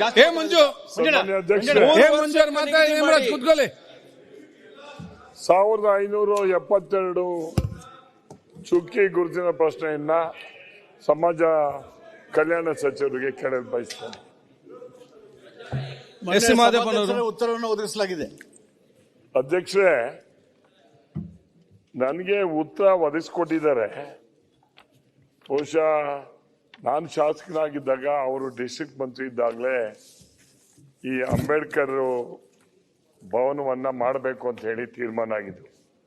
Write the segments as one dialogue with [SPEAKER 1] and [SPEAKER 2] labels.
[SPEAKER 1] ಏ ಮಂಜು ಕೂತ್ಕೊಳ್ಳಿ.
[SPEAKER 2] 1572 ಚುಕ್ಕಿ ಗುರುತಿನ ಪ್ರಶ್ನೆಯನ್ನ ಸಮಾಜ ಕಲ್ಯಾಣ ಸಚಿವರಿಗೆ ಕೇಳಲು ಬಯಸ್ತೇನೆ.
[SPEAKER 3] ಉತ್ತರವನ್ನು ಒದಗಿಸಲಾಗಿದೆ.
[SPEAKER 2] ಅಧ್ಯಕ್ಷರೇ, ನನಗೆ ಉತ್ತರ ಒದಗಿಸ್ಕೊಟ್ಟಿದ್ದಾರೆ. ಬಹುಶಃ ನಾನು ಶಾಸಕನಾಗಿದ್ದಾಗ ಅವರು ಡಿಸ್ಟ್ರಿಕ್ಟ್ ಮಂತ್ರಿ ಇದ್ದಾಗಲೇ ಈ ಅಂಬೇಡ್ಕರ್ ಭವನವನ್ನ ಮಾಡಬೇಕು ಅಂತ ಹೇಳಿ ತೀರ್ಮಾನ ಆಗಿದ್ದು.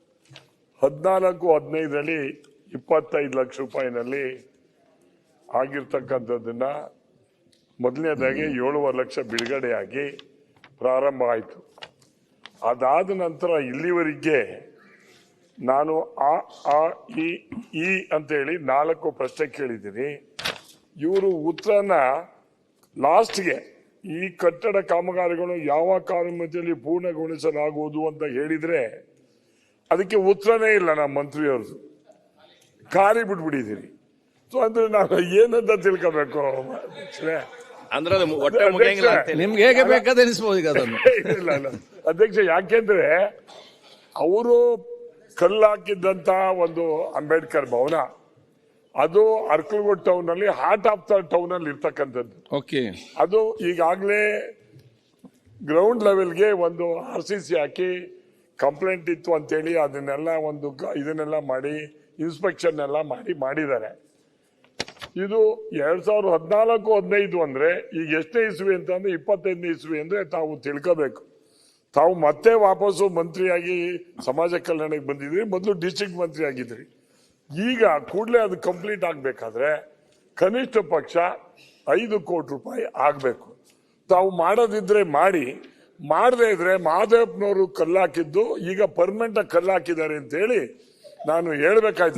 [SPEAKER 2] 14-15ರಲ್ಲಿ 25 ಲಕ್ಷ ರೂಪಾಯಿನಲ್ಲಿ ಆಗಿರ್ತಕ್ಕಂಥದ್ದನ್ನ ಮೊದಲನೇದಾಗಿ 7.5 ಲಕ್ಷ ಬಿಡುಗಡೆಯಾಗಿ ಪ್ರಾರಂಭ ಆಯಿತು. ಅದಾದ ನಂತರ ಇಲ್ಲಿವರೆಗೆ ನಾನು ಈ ಅಂತೇಳಿ 4 ಪ್ರಶ್ನೆ ಕೇಳಿದ್ದೀನಿ. ಇವರು ಉತ್ತರನ ಲಾಸ್ಟ್ಗೆ ಈ ಕಟ್ಟಡ ಕಾಮಗಾರಿಗಳು ಯಾವ ಕಾಲಮಿತಿಯಲ್ಲಿ ಪೂರ್ಣಗೊಳಿಸಲಾಗುವುದು ಅಂತ ಹೇಳಿದ್ರೆ ಅದಕ್ಕೆ ಉತ್ತರನೇ ಇಲ್ಲ. ನಮ್ಮ ಮಂತ್ರಿಯವ್ರದ್ದು ಖಾಲಿ ಬಿಟ್ಬಿಟ್ಟಿದ್ದೀರಿ. ಸೊ ಅಂದ್ರೆ ನಾವು ಏನಂತ ತಿಳ್ಕೋಬೇಕು
[SPEAKER 1] ಅಂದ್ರೆ ನಿಮ್ಗೆ ಹೇಗೆ ಬೇಕಾದ ಅನಿಸ್ಬೋದು ಈಗ ಅದನ್ನು.
[SPEAKER 2] ಇಲ್ಲ ಅಧ್ಯಕ್ಷ, ಯಾಕೆಂದ್ರೆ ಅವರು ಕಲ್ಲಾಕಿದ್ದಂತ ಒಂದು ಅಂಬೇಡ್ಕರ್ ಭವನ ಅದು ಅರ್ಕಲ್ಗೋಡ್ ಟೌನ್ ಅಲ್ಲಿ ಹಾರ್ಟ್ ಆಫ್ ದ ಟೌನ್ ಅಲ್ಲಿ ಇರ್ತಕ್ಕಂಥದ್ದು.
[SPEAKER 1] ಓಕೆ,
[SPEAKER 2] ಅದು ಈಗಾಗಲೇ ಗ್ರೌಂಡ್ ಲೆವೆಲ್ಗೆ ಒಂದು RCC ಹಾಕಿ ಕಂಪ್ಲೇಂಟ್ ಇತ್ತು ಅಂತೇಳಿ ಅದನ್ನೆಲ್ಲ ಇದನ್ನೆಲ್ಲ ಮಾಡಿ ಇನ್ಸ್ಪೆಕ್ಷನ್ ಎಲ್ಲ ಮಾಡಿದ್ದಾರೆ. ಇದು 2014-15 ಅಂದ್ರೆ ಈಗ ಎಷ್ಟನೇ ಇಸ್ವಿ ಅಂತಂದ್ರೆ 25ನೇ ಇಸ್ವಿ ಅಂದ್ರೆ ತಾವು ತಿಳ್ಕೋಬೇಕು. ತಾವು ಮತ್ತೆ ವಾಪಸ್ಸು ಮಂತ್ರಿಯಾಗಿ ಸಮಾಜ ಕಲ್ಯಾಣಕ್ಕೆ ಬಂದಿದ್ರಿ, ಮೊದಲು ಡಿಸ್ಟ್ರಿಕ್ಟ್ ಮಂತ್ರಿ ಆಗಿದ್ರಿ. ಈಗ ಕೂಡಲೇ ಅದು ಕಂಪ್ಲೀಟ್ ಆಗ್ಬೇಕಾದ್ರೆ ಕನಿಷ್ಠ ಪಕ್ಷ 5 ಕೋಟಿ ರೂಪಾಯಿ ಆಗ್ಬೇಕು. ತಾವು ಮಾಡೋದಿದ್ರೆ ಮಾಡಿ, ಮಾಡದೇ ಇದ್ರೆ ಮಹಾದೇವಪ್ಪನವರು ಕಲ್ಲಾಕಿದ್ದು ಈಗ ಪರ್ಮನೆಂಟ್ ಆಗಿ ಕಲ್ಲಾಕಿದ್ದಾರೆ ಅಂತ ಹೇಳಿ ನಾನು ಹೇಳ್ಬೇಕಾಯ್ತು.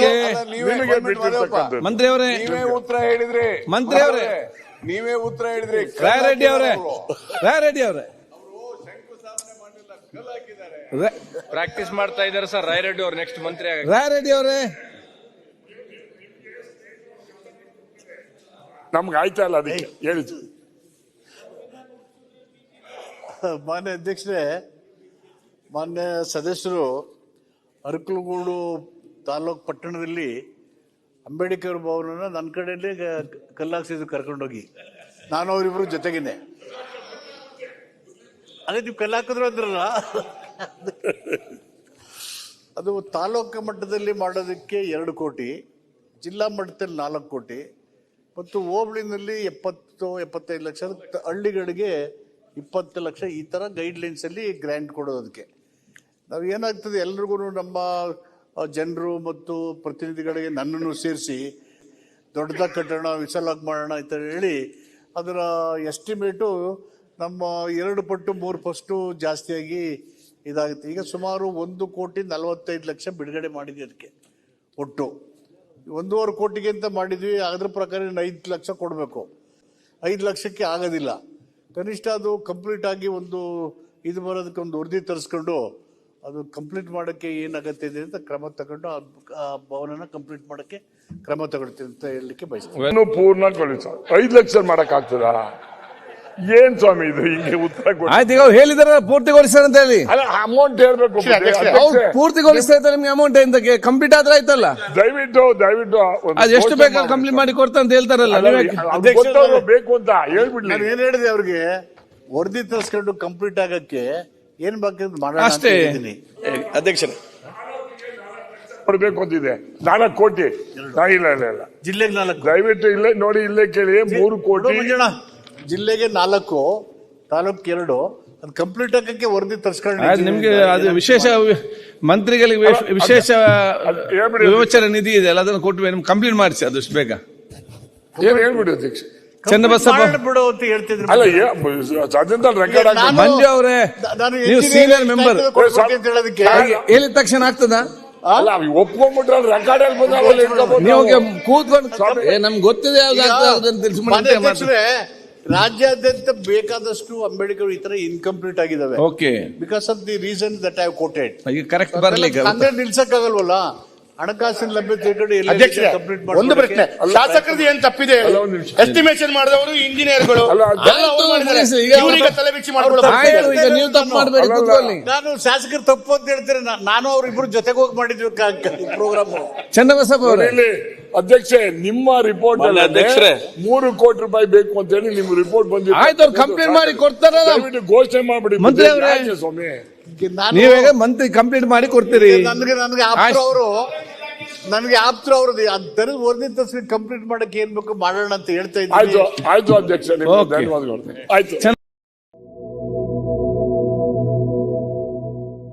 [SPEAKER 1] ಮಂತ್ರಿ ಅವರೇ
[SPEAKER 3] ನೀವೇ ಉತ್ತರ ಹೇಳಿದ್ರಿ.
[SPEAKER 1] ಮಂತ್ರಿ ಅವರೇ
[SPEAKER 3] ನೀವೇ ಉತ್ತರ ಹೇಳಿದ್ರಿ.
[SPEAKER 1] ರಾಯರೆಡ್ಡಿ ಅವರೇ
[SPEAKER 4] ಪ್ರಾಕ್ಟೀಸ್ ಮಾಡ್ತಾ ಇದ್ದಾರೆ ಸರ್ ರಾಯರೆಡ್ಡಿ ಅವರು ನೆಕ್ಸ್ಟ್ ಮಂತ್ರಿ ಆಗ.
[SPEAKER 1] ರಾಯರೆಡ್ಡಿ ಅವರೇ
[SPEAKER 2] ನಮ್ಗೆ ಆಯ್ತಾ ಇಲ್ಲ ಅದಕ್ಕೆ ಹೇಳಿದ್ದು.
[SPEAKER 3] ಮಾನ್ಯ ಅಧ್ಯಕ್ಷರೇ, ಮಾನ್ಯ ಸದಸ್ಯರು ಅರಕಲಗೂಡು ತಾಲೂಕು ಪಟ್ಟಣದಲ್ಲಿ ಅಂಬೇಡ್ಕರ್ ಭವನನ ನನ್ನ ಕಡೆಯಲ್ಲಿ ಕಲ್ಲಾಕ್ಸಿದ್ರು ಕರ್ಕೊಂಡೋಗಿ. ನಾನು ಅವರಿಬ್ರು ಜೊತೆಗೇನೆ. ಅದೇ ನೀವು ಕಲ್ಲಾಕಿದ್ರು ಅಂದ್ರಲ್ಲ, ಅದು ತಾಲೂಕು ಮಟ್ಟದಲ್ಲಿ ಮಾಡೋದಕ್ಕೆ 2 ಕೋಟಿ, ಜಿಲ್ಲಾ ಮಟ್ಟದಲ್ಲಿ 4 ಕೋಟಿ ಮತ್ತು ಹೋಬಳಿನಲ್ಲಿ 70-75 ಲಕ್ಷ, ಹಳ್ಳಿಗಳಿಗೆ 20 ಲಕ್ಷ, ಈ ಥರ ಗೈಡ್ಲೈನ್ಸ್ ಅಲ್ಲಿ ಗ್ರ್ಯಾಂಟ್ ಕೊಡೋದಕ್ಕೆ. ನಾವು ಏನಾಗ್ತದೆ ಎಲ್ರಿಗೂ ನಮ್ಮ ಜನರು ಮತ್ತು ಪ್ರತಿನಿಧಿಗಳಿಗೆ ನನ್ನನ್ನು ಸೇರಿಸಿ ದೊಡ್ಡದಾಗಿ ಕಟ್ಟೋಣ, ವಿಶಾಲಾಗಿ ಮಾಡೋಣ ಅಂತ ಹೇಳಿ ಅದರ ಎಸ್ಟಿಮೇಟು ನಮ್ಮ 2 ಪಟ್ಟು 3 ಪಟ್ಟು ಜಾಸ್ತಿಯಾಗಿ ಇದಾಗುತ್ತೆ. ಈಗ ಸುಮಾರು 1,45 ಲಕ್ಷ ಬಿಡುಗಡೆ ಮಾಡಿದ್ವಿ. ಅದಕ್ಕೆ ಒಟ್ಟು 1.5 ಕೋಟಿಗೆ ಅಂತ ಮಾಡಿದ್ವಿ. ಅದ್ರ ಪ್ರಕಾರ 5 ಲಕ್ಷ ಕೊಡಬೇಕು. 5 ಲಕ್ಷಕ್ಕೆ ಆಗೋದಿಲ್ಲ. ಕನಿಷ್ಠ ಅದು ಕಂಪ್ಲೀಟ್ ಆಗಿ ಇದು ಬರೋದಕ್ಕೆ ಒಂದು ವರದಿ ತರಿಸ್ಕೊಂಡು ಅದು ಕಂಪ್ಲೀಟ್ ಮಾಡೋಕ್ಕೆ ಏನು ಅಗತ್ಯ ಇದೆ ಅಂತ ಕ್ರಮ ತಗೊಂಡು ಆ ಭವನನ ಕಂಪ್ಲೀಟ್ ಮಾಡೋಕ್ಕೆ ಕ್ರಮ ತಗೊಳ್ತೀವಿ ಅಂತ ಹೇಳಲಿಕ್ಕೆ ಬಯಸ್ತೀನಿ.
[SPEAKER 2] ಪೂರ್ಣಗೊಳಿಸ 5 ಲಕ್ಷ ಮಾಡಕ್ ಆಗ್ತದಾ? ಏನ್ ಸ್ವಾಮಿ ಇದು? ಹಿಂಗೆ ಉತ್ತರ
[SPEAKER 1] ಆಯ್ತು, ಈಗ ಹೇಳಿದಾರೆ ಪೂರ್ತಿಗೊಳಿಸ್ತಾರೆ ಅಂತ ಹೇಳಿ.
[SPEAKER 2] ಅಮೌಂಟ್ ಹೇಳ್ಬೇಕು.
[SPEAKER 1] ಪೂರ್ತಿಗೊಳಿಸ್ತಾ ನಿಮ್ಗೆ ಅಮೌಂಟ್ ಎಂತ ಕಂಪ್ಲೀಟ್ ಆದ್ರೆ ಆಯ್ತಲ್ಲ.
[SPEAKER 2] ದಯವಿಟ್ಟು
[SPEAKER 1] ಅದು ಎಷ್ಟು ಬೇಕಾದ್ರೆ ಕಂಪ್ಲೀಟ್ ಮಾಡಿ ಕೊಡ್ತಾ ಅಂತ ಹೇಳ್ತಾರಲ್ಲ.
[SPEAKER 2] ಬೇಕು ಅಂತ ಹೇಳ್ಬಿಡ್ಲಿ.
[SPEAKER 3] ನಾನು ಏನ್ ಹೇಳಿದೆ ಅವ್ರಿಗೆ, ವರದಿ ತರಿಸ್ಕೊಂಡು ಕಂಪ್ಲೀಟ್ ಆಗಕ್ಕೆ ಏನ್ ಬೇಕಾದ್ರೆ ಮಾಡೋಣ
[SPEAKER 1] ಅಷ್ಟೇ.
[SPEAKER 4] ಅಧ್ಯಕ್ಷರೇ
[SPEAKER 2] ಕೊಡ್ಬೇಕು ಅಂತಿದೆ 4 ಕೋಟಿ. ಇಲ್ಲ
[SPEAKER 3] ಜಿಲ್ಲೆಗೆ 4.
[SPEAKER 2] ದಯವಿಟ್ಟು ಇಲ್ಲೇ ನೋಡಿ, ಇಲ್ಲೇ ಕೇಳಿ 3 ಕೋಟಿ.
[SPEAKER 3] ಜಿಲ್ಲೆಗೆ 4, ತಾಲೂಕ್ 2. ಅದು ಕಂಪ್ಲೀಟ್ ಆಗಕ್ಕೆ ವರದಿ ತರಿಸ್ಕೊಂಡು
[SPEAKER 1] ನಿಮ್ಗೆ ಅದು ವಿಶೇಷ ಮಂತ್ರಿಗಳಿಗೆ ವಿಶೇಷ ವಿಮೋಚನೆ ನಿಧಿ ಇದೆ ಅಲ್ಲ, ಅದನ್ನು ಕೊಟ್ಟು ನಿಮ್ಗೆ ಕಂಪ್ಲೀಟ್ ಮಾಡಿಸಿ ಅದಷ್ಟು ಬೇಗ.
[SPEAKER 2] ಏನು ಹೇಳ್ಬಿಡಿ ಅಧ್ಯಕ್ಷ.
[SPEAKER 1] ಚನ್ನಬಸಪ್ಪ
[SPEAKER 3] ಬಿಡು ಅಂತ ಹೇಳ್ತಿದ್ರು.
[SPEAKER 2] ಅಲ್ಲ, ಅದರಿಂದ ರೆಕಾರ್ಡ್
[SPEAKER 1] ಮಂಜು ಅವರೇ, ನೀವು ಸೀನಿಯರ್ ಮೆಂಬರ್
[SPEAKER 3] ಹೇಳೋದಕ್ಕೆ
[SPEAKER 1] ಹೇಳಿದ ತಕ್ಷಣ ಆಗ್ತದ?
[SPEAKER 2] ಅಲ್ಲ, ಒಪ್ಕೊಂಡ್ಬಿಟ್ರೆ ರೆಕಾರ್ಡ್ ಅಲ್ಲಿ ಬಂದ
[SPEAKER 1] ನೀವು ಕೂತ್ಕೊಂಡು ನಮ್ಗೆ ಗೊತ್ತಿದೆ ಯಾವ್ದು.
[SPEAKER 3] ರಾಜ್ಯಾದ್ಯಂತ ಬೇಕಾದಷ್ಟು ಅಂಬೇಡ್ಕರ್ ಈ ತರ ಇನ್ಕಂಪ್ಲೀಟ್ ಆಗಿದಾವೆ.
[SPEAKER 1] Okay,
[SPEAKER 3] because of the reason that I quoted.
[SPEAKER 1] Correct ಬರ್ಲಿಕ್ಕೆ
[SPEAKER 3] ಅಂದ್ರೆ ನಿಲ್ಸಕ್ಕಾಗಲ್ವಲ್ಲ. ಹಣಕಾಸಿನ ಲಭ್ಯತೆ ಕಡೆ
[SPEAKER 5] ಅಧ್ಯಕ್ಷರೇ
[SPEAKER 3] ಕಂಪ್ಲೀಟ್
[SPEAKER 5] ಒಂದು ಪ್ರಶ್ನೆ, ಶಾಸಕರದ್ದು ಏನ್ ತಪ್ಪಿದೆ?
[SPEAKER 2] ಅಲ್ಲ, ಒಂದು ನಿಮಿಷ.
[SPEAKER 5] ಎಸ್ಟಿಮೇಷನ್ ಮಾಡಿದವರು ಇಂಜಿನಿಯರ್ಗಳು
[SPEAKER 2] ಅಲ್ಲ,
[SPEAKER 5] ಎಲ್ಲ ಅವ್ರು ಮಾಡಿದ್ದಾರೆ.
[SPEAKER 1] ಆಯ್ತು, ಈಗ
[SPEAKER 5] ಇವ್ರಿಗೆ ತಲೆ ಬಿಚ್ಚಿ ಮಾಡ್ಕೊಳ್ಳೋ
[SPEAKER 1] ಆಯ್ತು, ಈಗ ನೀವು ತಪ್ಪು ಮಾಡಬೇಡಿ,
[SPEAKER 2] ಅಲ್ಲ,
[SPEAKER 1] ಕೂತ್ಕೊಳ್ಳಿ.
[SPEAKER 3] ನಾನು ಶಾಸಕರು ತಪ್ಪು ಅಂತ ಹೇಳ್ತಾರೆ. ನಾನು ಅವ್ರಿಬ್ರು ಜೊತೆಗೆ ಹೋಗಿ ಮಾಡಿದ್ವಿ ಪ್ರೋಗ್ರಾಮ್.
[SPEAKER 1] ಚನ್ನಬಸಪ್ಪ ಅವರೇ,
[SPEAKER 2] ಇಲ್ಲಿ ಅಧ್ಯಕ್ಷೆ ನಿಮ್ಮ ರಿಪೋರ್ಟ್
[SPEAKER 4] ಮಾನ್ಯ ಅಧ್ಯಕ್ಷರೇ.
[SPEAKER 2] 3 ಕೋಟಿ ರೂಪಾಯಿ ಬೇಕು ಅಂತ ಹೇಳಿ ನಿಮ್ ರಿಪೋರ್ಟ್ ಬಂದಿದೆ.
[SPEAKER 1] ಆಯ್ತು, ಅವ್ರು ಕಂಪ್ಲೇಂಟ್ ಮಾಡಿ ಕೊಡ್ತಾರಲ್ಲ.
[SPEAKER 2] ದಯವಿಟ್ಟು ಘೋಷಣೆ ಮಾಡ್ಬಿಡಿ
[SPEAKER 1] ಮಂತ್ರಿ ಅವರೇ.
[SPEAKER 2] ಯಾಕೆ ಸ್ವಾಮಿ?
[SPEAKER 1] ನೀವೀಗ ಮಂತ್ರಿ ಕಂಪ್ಲೀಟ್ ಮಾಡಿ ಕೊಡ್ತೀರಿ.
[SPEAKER 3] ನನಗೆ ಆಪ್ತರು ಅವ್ರದ್ದು ಅದರ ವರದಿ ತರಿಸಿ ಕಂಪ್ಲೀಟ್ ಮಾಡಕ್ಕೆ ಏನ್ ಬೇಕು ಮಾಡೋಣ ಅಂತ ಹೇಳ್ತಾ
[SPEAKER 2] ಆಯ್ತು
[SPEAKER 3] ಇದ್ದೀನಿ.
[SPEAKER 2] ಆಯ್ತು ಅಧ್ಯಕ್ಷ, ನಿಮ್ಗೆ
[SPEAKER 1] Okay.
[SPEAKER 2] ಧನ್ಯವಾದಗಳು. ಆಯ್ತು.